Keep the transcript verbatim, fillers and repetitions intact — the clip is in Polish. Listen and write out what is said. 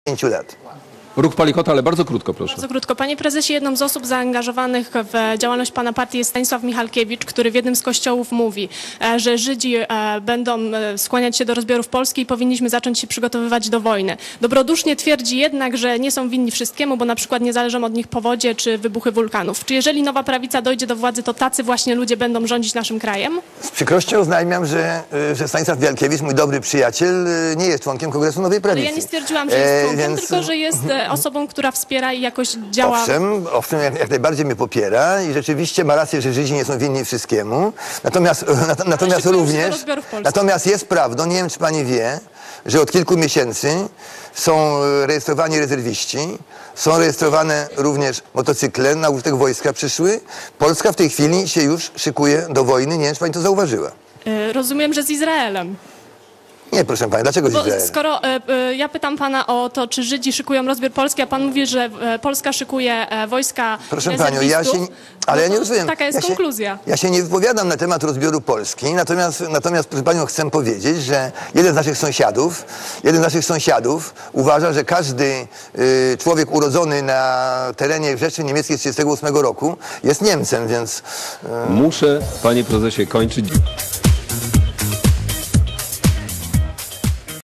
pięciu lat. Ruch Palikota, ale bardzo krótko, proszę. Bardzo krótko. Panie prezesie, jedną z osób zaangażowanych w działalność pana partii jest Stanisław Michalkiewicz, który w jednym z kościołów mówi, że Żydzi będą skłaniać się do rozbiorów Polski i powinniśmy zacząć się przygotowywać do wojny. Dobrodusznie twierdzi jednak, że nie są winni wszystkiemu, bo na przykład nie zależą od nich powodzie czy wybuchy wulkanów. Czy jeżeli nowa prawica dojdzie do władzy, to tacy właśnie ludzie będą rządzić naszym krajem? Z przykrością oznajmiam, że, że Stanisław Michalkiewicz, mój dobry przyjaciel, nie jest członkiem Kongresu Nowej Prawicy. Ale ja nie stwierdziłam, że jest członkiem, e, więc... tylko że jest osobą, która wspiera i jakoś działa... Owszem, owszem jak, jak najbardziej mnie popiera i rzeczywiście ma rację, że Żydzi nie są winni wszystkiemu. Natomiast, nat, natomiast również... Natomiast jest prawdą, nie wiem czy pani wie, że od kilku miesięcy są rejestrowani rezerwiści, są rejestrowane również motocykle, na użytek wojska przyszły. Polska w tej chwili się już szykuje do wojny, nie wiem czy pani to zauważyła. Rozumiem, że z Izraelem. Nie, proszę pani, dlaczego z Izraelem? Skoro e, e, ja pytam pana o to, czy Żydzi szykują rozbiór Polski, a pan mówi, że e, Polska szykuje e, wojska Proszę panią, ja się... Ale no ja nie rozumiem. Taka jest ja się, konkluzja. Ja się nie wypowiadam na temat rozbioru Polski, natomiast, natomiast proszę panią, chcę powiedzieć, że jeden z naszych sąsiadów, jeden z naszych sąsiadów uważa, że każdy y, człowiek urodzony na terenie Rzeszy Niemieckiej z tysiąc dziewięćset trzydziestego ósmego roku jest Niemcem, więc... Y... Muszę, panie prezesie, kończyć.